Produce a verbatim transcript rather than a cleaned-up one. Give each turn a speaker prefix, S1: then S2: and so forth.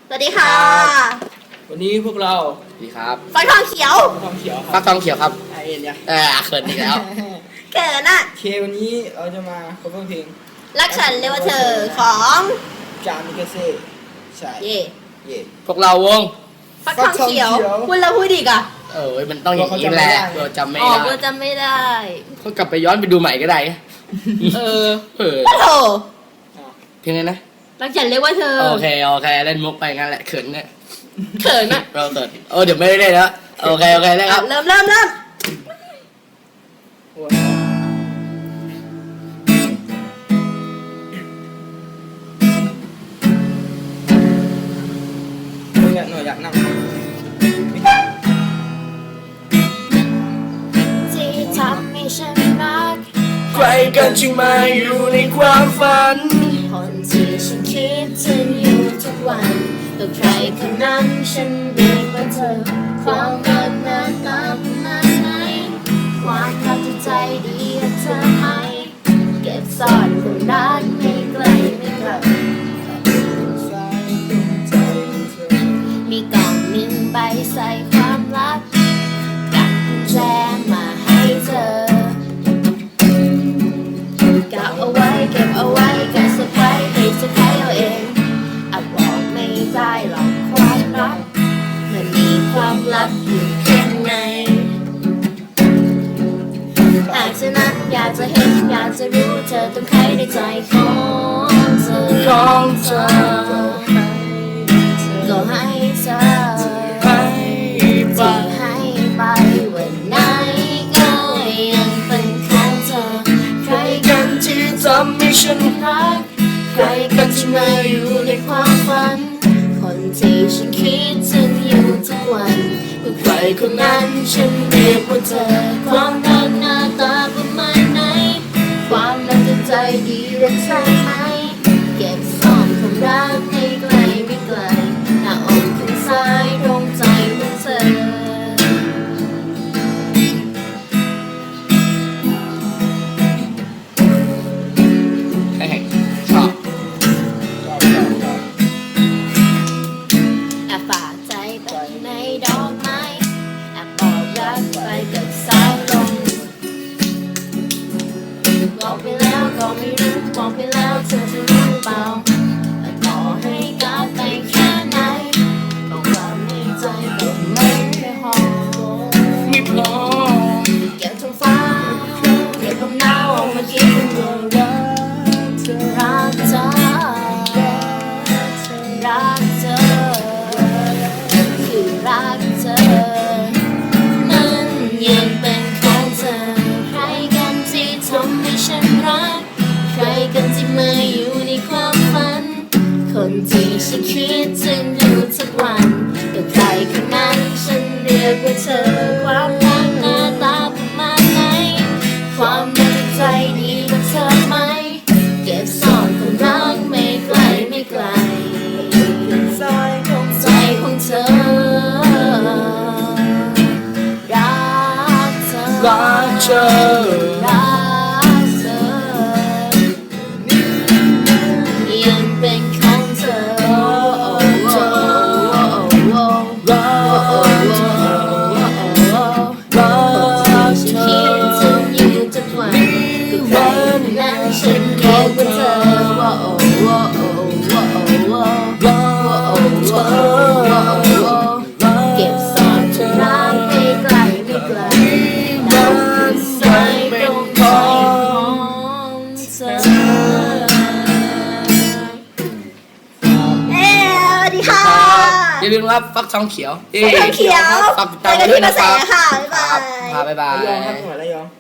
S1: สวัสดีค่ะ
S2: วันนี้พวกเรา
S3: ดีครับ
S1: ฟักทองเขียว
S2: ฟักทองเขียว
S3: ฟักทองเขียวครับ
S2: ไอเอ็นเนี่ย
S3: เออเขินอีกแล้ว
S1: เขินอ่ะ
S2: เควันนี้เราจะมาคบเพลง
S1: รักฉันเรียกว่าเธอของ
S2: จามิกาเซ่ใช่
S1: เย่
S2: เย่
S3: พวกเราวง
S1: ฟักทองเขียวพูดแล้วพูดอีกอ่ะ
S3: เออมันต้องอย่างนี้แหละเราจำไม่ได้
S1: เราจำไม่ได้
S3: ก็กลับไปย้อนไปดูใหม่ก็ได้
S1: เออ
S3: เออ
S1: โอ้
S3: เพลงไงนะ
S1: รักฉันเรียกว่าเธอ
S3: โอเคโอเคเล่นมุกไปงั้นแหละเขินเนี่ย
S1: เขินอ่ะ
S3: เราเติร์ดเออเดี๋ยวไม่ได้เล่นแล้วโอเคโอเคได้ครับ
S1: เริ่มเริ่มเริ่ม
S2: มึงอยากหน่อยอยากนั่ง
S1: ที่ทำให้ฉันรัก
S3: ใครกันจึงมาอยู่ในความฝัน
S1: คนที่ฉันคิดถึงอยู่ทุกวันก็ใครคนนั้นฉันเรียกว่าเธอความรักหน้าตาประมาณไหนความรักใจดีกับเธอไหมเก็บซ่อนความรักไม่ไกลไม่ไกลมีกล่องหนึ่งใบใส่ความรักกับกุญแจมาให้เธอเก็บเอาไว้เก็บเอาไว้ก็เซอร์ไพรส์ให้เธอใครเอาเองอาจบอกไม่ได้หรอกความรักมันมีความลับอยู่ข้างในหากเธอนั้นอยากจะเห็นอยากจะรู้เธอต้องใครในใจของเธอ
S3: ของเธอ
S1: ก็ให้เธอ
S3: ให้ไป
S1: ให้ไปวันไหนก็ยังเป็นของเธอใคร
S3: กันที่ทำให้ฉัน
S1: รักใครกันที่มาอยู่ในความฝันคนที่ฉันคิดถึงอยู่ทุกวันก็ใครคนนั้นฉันเรียกว่าเธอความรักหน้าตาประมาณไหนความรักใจดีรักใช่ไหมเก็บซ่อนความรักให้ไกลไม่ไกลหน้าอกข้างซ้ายตรงใจของเธอ
S3: ชอบ
S1: แอบฝากใจไปในดอกไม้แอบบอกรักไปกับสายลมบอกไปแล้วก็ไม่รู้บอกไปแล้วเธอจะรู้เปล่าแต่ต่อให้กลับไปแค่ไหนบอกความในใจก็ไม่พอ
S3: ไม่พอ
S1: เก็บท้องฟ้าเก็บความหนาวออกมาคิดถึงเรื่องรักเธอรักเธอคือรักเธอนั้นยังเป็นของเธอใครกันที่ทำให้ฉันรักใครกันที่มาอยู่ในความฝันคนที่ฉันคิดถึงอยู่ทุกวันก็ใครคนนั้นฉันเรียกว่าเธอความรักหน้าตาประมาณไหนความรักใจดีกับเธอไหมเก็บซ่อนความรักไม่ไกลไม่ไกลใจของใจของเธอรักเธอ
S3: รักเธอ
S1: รักเธอยังเป็นของเธอ
S3: รักเธอรักเธอ
S1: คิดถึงอยู่ทุกวันก็ใครคนนั้นฉันเรียกว่าเธอว่าโอ้ว่าโอ้ว่าโอ้ว่าโอ้ว่าโอ้เก็บซ่อนความรักไม่ไกลไม่ไกลน้ำใจตรงใจของเธอเอ้สวัสดีค่ะ
S3: อย่าลืมครับฟักทองเขียว
S1: ฟักทองเขียว
S3: ฝากติดตามกันด้วยนะครับ
S1: ค่ะบ๊ายบาย
S3: บ๊ายบาย
S2: ระยองครับจังหวัดระยอง